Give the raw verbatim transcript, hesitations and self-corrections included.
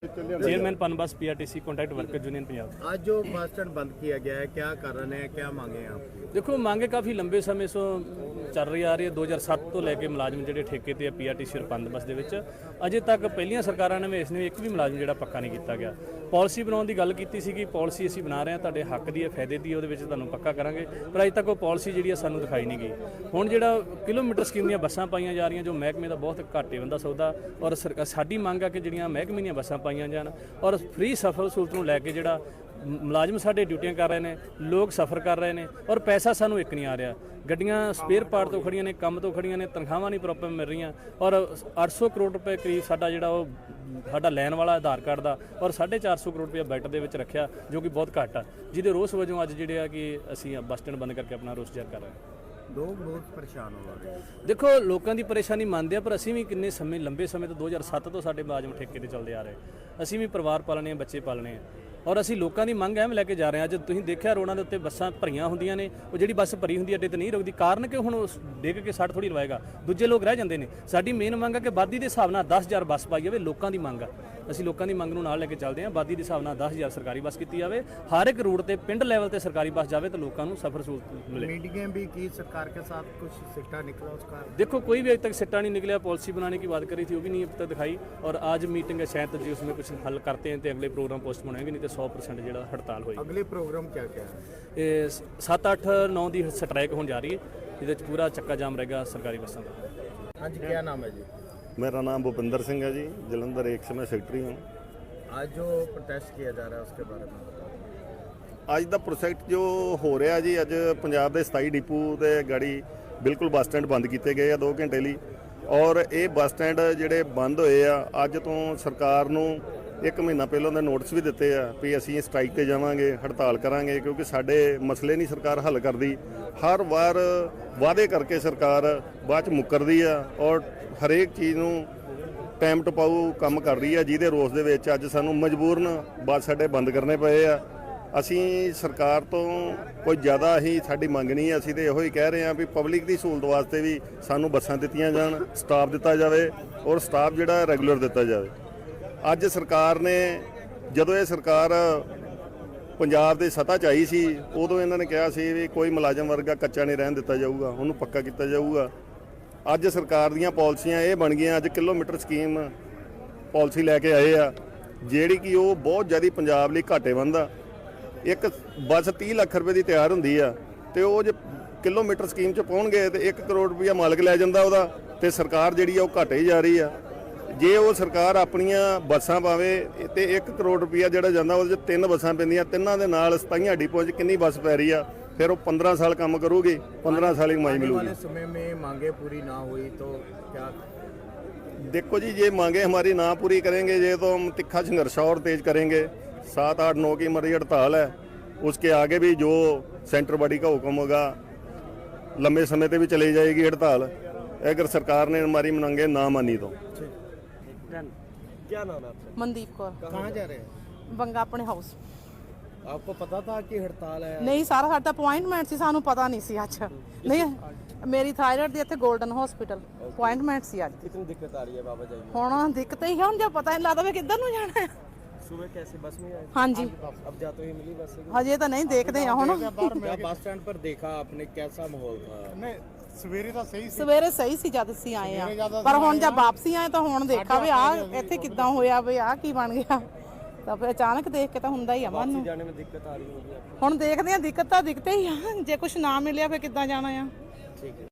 Chairman PUNBUS PRTC contract worker union Punjab. आज जो bus stand बंद किया गया है, क्या कारण है, क्या मांगे हैं आप? देखो मांगे काफ़ी लंबे समय ਤੋਂ ਚੱਲ ਰਹੀ ਆ ਰਹੀ ਹੈ। ਦੋ ਹਜ਼ਾਰ ਸੱਤ ਤੋਂ ਲੈ ਕੇ ਮੁਲਾਜ਼ਮ ਜਿਹੜੇ ਠੇਕੇ ਤੇ ਆ ਪੀਆਰਟੀਸੀ ਔਰ ਪਨਬਸ ਦੇ ਵਿੱਚ ਅਜੇ ਤੱਕ ਪਹਿਲੀਆਂ ਸਰਕਾਰਾਂ ਨੇ ਇਸ ਨੇ ਇੱਕ ਵੀ ਮੁਲਾਜ਼ਮ ਜਿਹੜਾ ਪੱਕਾ ਨਹੀਂ ਕੀਤਾ ਗਿਆ। ਪਾਲਿਸੀ ਬਣਾਉਣ ਦੀ ਗੱਲ ਕੀਤੀ ਸੀ ਕਿ ਪਾਲਿਸੀ ਅਸੀਂ ਬਣਾ ਰਹੇ ਹਾਂ, ਤੁਹਾਡੇ ਹੱਕ ਦੀ ਹੈ, ਫਾਇਦੇ ਦੀ, ਉਹਦੇ ਵਿੱਚ ਤੁਹਾਨੂੰ ਪੱਕਾ ਕਰਾਂਗੇ, ਪਰ ਅਜੇ ਤੱਕ ਉਹ ਪਾਲਿਸੀ ਜਿਹੜੀ ਆ ਸਾਨੂੰ ਦਿਖਾਈ ਨਹੀਂ ਗਈ। ਹੁਣ ਜਿਹੜਾ ਕਿਲੋਮੀਟਰ ਸਕੀਮ ਦੀਆਂ ਬੱਸਾਂ ਪਾਈਆਂ ਜਾ ਰਹੀਆਂ ਜੋ ਮਹਿਕਮੇ ਦਾ ਬਹੁਤ ਘਾਟੇ ਬੰਦਾ ਸੌਦਾ, ਔਰ ਸਾਡੀ ਮੰਗ ਆ ਕਿ ਜਿਹੜੀਆਂ ਮਹਿਕਮੇ ਦੀਆਂ ਬੱਸਾਂ ਪਾਈਆਂ ਜਾਣ ਔਰ ਫ੍ਰੀ ਸਫਰ ਸਹੂਲਤ ਨੂੰ ਲੈ ਕੇ ਜਿਹੜਾ ਮੁਲਾਜ਼ਮ ਸਾਡੇ ਡਿਊਟੀਆਂ ਕਰ ਰਹੇ ਨੇ, ਲੋਕ ਸਫ਼ਰ ਕਰ ਰਹੇ ਨੇ ਔਰ ਪੈਸਾ ਸਾਨੂੰ ਇੱਕ ਨਹੀਂ ਆ ਰਿਹਾ। ਗੱਡੀਆਂ ਸਪੇਅਰ ਪਾਰਟ ਤੋਂ ਖੜੀਆਂ ਨੇ, ਕੰਮ ਤੋਂ ਖੜੀਆਂ ਨੇ, ਤਨਖਾਹਾਂ ਨਹੀਂ ਪ੍ਰੋਪਰ ਮਿਲ ਰਹੀਆਂ ਔਰ ਅੱਠ ਸੌ ਕਰੋੜ ਰੁਪਏ ਕਰੀਬ ਸਾਡਾ ਜਿਹੜਾ ਉਹ ਸਾਡਾ ਲੈਣ ਵਾਲਾ ਆਧਾਰ ਕਾਰਡ ਦਾ ਔਰ ਸਾਢੇ ਚਾਰ ਸੌ ਕਰੋੜ ਰੁਪਏ ਬਜਟ ਦੇ ਵਿੱਚ ਰੱਖਿਆ ਜੋ ਕਿ ਬਹੁਤ ਘੱਟ ਆ, ਜਿਹਦੇ ਰੋਸ ਵਜੋਂ ਅੱਜ ਜਿਹੜੇ ਆ ਕਿ ਅਸੀਂ ਬੱਸ ਸਟੈਂਡ ਬੰਦ ਕਰਕੇ ਆਪਣਾ ਰੋਸ ਜ਼ਾਹਰ ਕਰ ਰਹੇ ਹਾਂ। ਲੋਕ ਬਹੁਤ ਪਰੇਸ਼ਾਨ ਹੋ ਰਹੇ ਹਨ। ਦੇਖੋ ਲੋਕਾਂ ਦੀ ਪਰੇਸ਼ਾਨੀ ਮੰਨਦੇ ਆ, ਪਰ ਅਸੀਂ ਵੀ ਕਿੰਨੇ ਸਮੇਂ ਲੰਬੇ ਸਮੇਂ ਤੋਂ ਦੋ ਹਜ਼ਾਰ ਸੱਤ ਤੋਂ ਸਾਡੇ ਮੁਲਾਜ਼ਮ ਠੇਕੇ ਤੇ ਚੱਲਦੇ ਆ ਰਹੇ, ਅਸੀਂ ਵੀ ਪਰਿਵਾਰ ਪਾਲਣੇ ਆ, ਬੱਚੇ ਪਾਲਣੇ ਆ ਔਰ ਅਸੀਂ ਲੋਕਾਂ ਦੀ ਮੰਗ ਐਵੇਂ ਲੈ ਕੇ ਜਾ ਰਹੇ ਹਾਂ। ਅੱਜ ਤੁਸੀਂ ਦੇਖਿਆ ਰੋਡਾਂ ਦੇ ਉੱਤੇ ਬੱਸਾਂ ਭਰੀਆਂ ਹੁੰਦੀਆਂ ਨੇ, ਉਹ ਜਿਹੜੀ ਬੱਸ ਭਰੀ ਹੁੰਦੀ ਅੱਡੇ ਤੇ ਨਹੀਂ ਰੁਕਦੀ, ਕਾਰਨ ਕਿ ਹੁਣ ਡਿੱਗ ਕੇ ਸੱਟ ਥੋੜੀ ਲਵਾਏਗਾ, ਦੂਜੇ ਲੋਕ ਰਹਿ ਜਾਂਦੇ ਨੇ। ਸਾਡੀ ਮੇਨ ਮੰਗ ਹੈ ਕਿ ਆਬਾਦੀ ਦੇ ਹਿਸਾਬ ਨਾਲ ਦਸ ਹਜ਼ਾਰ ਬੱਸ ਪਾਈ ਜਾਵੇ, ਲੋਕਾਂ ਦੀ ਮੰਗ ਆ, ਅਸੀਂ ਲੋਕਾਂ ਦੀ ਮੰਗ ਨੂੰ ਨਾਲ ਲੈ ਕੇ ਚੱਲਦੇ ਹਾਂ। ਆਬਾਦੀ ਦੇ ਹਿਸਾਬ ਨਾਲ ਦਸ ਹਜ਼ਾਰ ਸਰਕਾਰੀ ਬੱਸ ਕੀਤੀ ਜਾਵੇ, ਹਰ ਇੱਕ ਰੂਟ ਤੇ ਪਿੰਡ ਲੈਵਲ ਤੇ ਸਰਕਾਰੀ ਬੱਸ ਜਾਵੇ ਤਾਂ ਲੋਕਾਂ ਨੂੰ ਸਫ਼ਰ ਸਹੂਲਤ ਮਿਲੇ। मीटिंगें भी की सरकार के साथ, कुछ सिक्का निकला उसका? देखो कोई भी अभी तक सिट्टा नहीं निकला। पॉलिसी बनाने की बात करी थी वो भी नहीं अब तक दिखाई, और आज मीटिंग है, शायद जी उसमें कुछ हल करते हैं तो अगले प्रोग्राम पोस्टपोन होंगे, नहीं तो सौ परसेंट जो हड़ताल होगी। अगले प्रोग्राम क्या क्या है? ये सत्त अठ नौ की स्ट्राइक होने जा रही है, ये पूरा चक्का जाम रहेगा सरकारी बसों का। हाँ जी, क्या नाम है जी? मेरा नाम भूपिंदर सिंह है जी, जलंधर एक समय सेक्रेटरी हूँ। आज जो प्रोटेस्ट किया जा रहा है उसके बारे में बताओ। ਅੱਜ ਦਾ ਪ੍ਰੋਜੈਕਟ ਜੋ ਹੋ ਰਿਹਾ ਜੀ, ਅੱਜ ਪੰਜਾਬ ਦੇ ਸਤਾਈ ਡਿਪੂ ਤੇ ਗਾੜੀ ਬਿਲਕੁਲ ਬੱਸ ਸਟੈਂਡ ਬੰਦ ਕੀਤੇ ਗਏ ਆ ਦੋ ਘੰਟੇ ਲਈ, ਔਰ ਇਹ ਬੱਸ ਸਟੈਂਡ ਜਿਹੜੇ ਬੰਦ ਹੋਏ ਆ ਅੱਜ ਤੋਂ ਸਰਕਾਰ ਨੂੰ ਇੱਕ ਮਹੀਨਾ ਪਹਿਲਾਂ ਦੇ ਨੋਟਿਸ ਵੀ ਦਿੱਤੇ ਆ ਵੀ ਅਸੀਂ ਸਟ੍ਰਾਈਕ ਤੇ ਜਾਵਾਂਗੇ, ਹੜਤਾਲ ਕਰਾਂਗੇ, ਕਿਉਂਕਿ ਸਾਡੇ ਮਸਲੇ ਨਹੀਂ ਸਰਕਾਰ ਹੱਲ ਕਰਦੀ। ਹਰ ਵਾਰ ਵਾਅਦੇ ਕਰਕੇ ਸਰਕਾਰ ਬਾਅਦ ਚ ਮੁੱਕਰਦੀ ਆ ਔਰ ਹਰੇਕ ਚੀਜ਼ ਨੂੰ ਟਾਈਮ ਟਪਾਊ ਕੰਮ ਕਰ ਰਹੀ ਆ, ਜਿਹਦੇ ਰੋਸ ਦੇ ਵਿੱਚ ਅੱਜ ਸਾਨੂੰ ਮਜਬੂਰਨ ਬੱਸ ਅੱਡੇ ਬੰਦ ਕਰਨੇ ਪਏ ਆ। ਅਸੀਂ ਸਰਕਾਰ ਤੋਂ ਕੋਈ ਜ਼ਿਆਦਾ ਹੀ ਸਾਡੀ ਮੰਗ ਨਹੀਂ ਹੈ, ਅਸੀਂ ਤਾਂ ਇਹੋ ਹੀ ਕਹਿ ਰਹੇ ਹਾਂ ਵੀ ਪਬਲਿਕ ਦੀ ਸਹੂਲਤ ਵਾਸਤੇ ਵੀ ਸਾਨੂੰ ਬੱਸਾਂ ਦਿੱਤੀਆਂ ਜਾਣ, ਸਟਾਫ ਦਿੱਤਾ ਜਾਵੇ ਔਰ ਸਟਾਫ ਜਿਹੜਾ ਰੈਗੂਲਰ ਦਿੱਤਾ ਜਾਵੇ। ਅੱਜ ਸਰਕਾਰ ਨੇ, ਜਦੋਂ ਇਹ ਸਰਕਾਰ ਪੰਜਾਬ ਦੇ ਸੱਤਾ 'ਚ ਆਈ ਸੀ, ਉਦੋਂ ਇਹਨਾਂ ਨੇ ਕਿਹਾ ਸੀ ਵੀ ਕੋਈ ਮੁਲਾਜ਼ਮ ਵਰਗਾ ਕੱਚਾ ਨਹੀਂ ਰਹਿਣ ਦਿੱਤਾ ਜਾਊਗਾ, ਉਹਨੂੰ ਪੱਕਾ ਕੀਤਾ ਜਾਊਗਾ। ਅੱਜ ਸਰਕਾਰ ਦੀਆਂ ਪਾਲਿਸੀਆਂ ਇਹ ਬਣ ਗਈਆਂ, ਅੱਜ ਕਿਲੋਮੀਟਰ ਸਕੀਮ ਪਾਲਿਸੀ ਲੈ ਕੇ ਆਏ ਆ, ਜਿਹੜੀ ਕਿ ਉਹ ਬਹੁਤ ਜ਼ਿਆਦਾ ਪੰਜਾਬ ਲਈ ਘਾਟੇਵੰਦ ਆ। ਇੱਕ ਬੱਸ ਤੀਹ ਲੱਖ ਰੁਪਏ ਦੀ ਤਿਆਰ ਹੁੰਦੀ ਆ ਤੇ ਉਹ ਜੇ ਕਿਲੋਮੀਟਰ ਸਕੀਮ 'ਚ ਪਾਉਣਗੇ ਤੇ ਇੱਕ ਕਰੋੜ ਰੁਪਈਆ ਮਾਲਕ ਲੈ ਜਾਂਦਾ ਉਹਦਾ, ਤੇ ਸਰਕਾਰ ਜਿਹੜੀ ਆ ਉਹ ਘਾਟੇ ਹੀ ਜਾ ਰਹੀ ਆ। ਜੇ ਉਹ ਸਰਕਾਰ ਆਪਣੀਆਂ ਬੱਸਾਂ ਪਾਵੇ ਤੇ ਇੱਕ ਕਰੋੜ ਰੁਪਈਆ ਜਿਹੜਾ ਜਾਂਦਾ ਉਹਦੇ 'ਚ ਤਿੰਨ ਬੱਸਾਂ ਪੈਂਦੀਆਂ, ਤਿੰਨਾਂ ਦੇ ਨਾਲ ਸਤਾਈਆਂ ਡਿਪੋ 'ਚ ਕਿੰਨੀ ਬੱਸ ਪੈ ਰਹੀ ਆ, ਫਿਰ ਉਹ ਪੰਦਰਾਂ ਸਾਲ ਕੰਮ ਕਰੂਗੀ, ਪੰਦਰਾਂ ਸਾਲ ਹੀ ਕਮਾਈ ਮਿਲੂਗੀ। आने वाले समय में मांगे पूरी ना हुई तो क्या? देखो जी, ये मांगे हमारी ना पूरी करेंगे ये तो हम तिखा संघर्ष और तेज करेंगे। सात आठ नौ की हमारी हड़ताल है, उसके आगे भी जो सेंटर बॉडी का हुक्म होगा लंबे समय तक भी चली जाएगी हड़ताल, अगर सरकार ने हमारी मांगे ना मानी तो। क्या नाम है आपका? मनदीप कौर। कहाँ जा रहे हैं? ਬੰਗਾ ਆਪਣੇ ਹਾਊਸ। आपको पता था कि हड़ताल है? ਨਹੀਂ ਸਾਰਾ ਸਾਡਾ ਅਪਾਇੰਟਮੈਂਟ ਸੀ, ਸਾਨੂੰ ਪਤਾ ਨਹੀਂ ਸੀ ਅੱਜ। ਨਹੀਂ ਮੇਰੀ ਥਾਇਰਾਇਡ ਦੀ ਇੱਥੇ 골ਡਨ ਹਸਪੀਟਲ ਅਪਾਇੰਟਮੈਂਟ ਸੀ ਅੱਜ। कितनी दिक्कत आ रही है बाबा जी? ਹੁਣ ਦਿੱਕਤ ਹੀ ਹੈ, ਹੁਣ ਜੇ ਪਤਾ ਨਹੀਂ ਲੱਗਦਾ ਵੀ ਕਿੱਧਰ ਨੂੰ ਜਾਣਾ ਹੈ। सुबह कैसे बस में आए? ਹਾਂਜੀ अब जाते हुए मिली बस? ਹਜੇ ਤਾਂ ਨਹੀਂ ਦੇਖਦੇ ਆ ਹੁਣ। क्या बस स्टैंड पर देखा आपने, कैसा माहौल था? नहीं ਸਵੇਰੇ ਤਾਂ ਸਹੀ ਸੀ। ਸਵੇਰੇ ਸਹੀ ਸੀ ਜਦ ਅਸੀਂ ਆਏ ਆ, ਪਰ ਹੁਣ ਜਦ ਵਾਪਸੀ ਆਏ ਤਾਂ ਹੁਣ ਦੇਖਾ ਵੀ ਆ ਇੱਥੇ ਕਿੱਦਾਂ ਹੋਇਆ, ਵੀ ਆ ਕੀ ਬਣ ਗਿਆ, ਤਾਂ ਫਿਰ ਅਚਾਨਕ ਦੇਖ ਕੇ ਤਾਂ ਹੁੰਦਾ ਹੀ ਆ ਮਨ ਨੂੰ। जाने में दिक्कत आ रही होगी आपको? ਹੁਣ ਦੇਖਦੇ ਆ, ਦਿੱਕਤ ਤਾਂ ਦਿਖਤੇ ਹੀ ਆ, ਜੇ ਕੁਝ ਨਾ ਮਿਲਿਆ ਫਿਰ ਕਿੱਦਾਂ ਜਾਣਾ ਆ। ठीक है।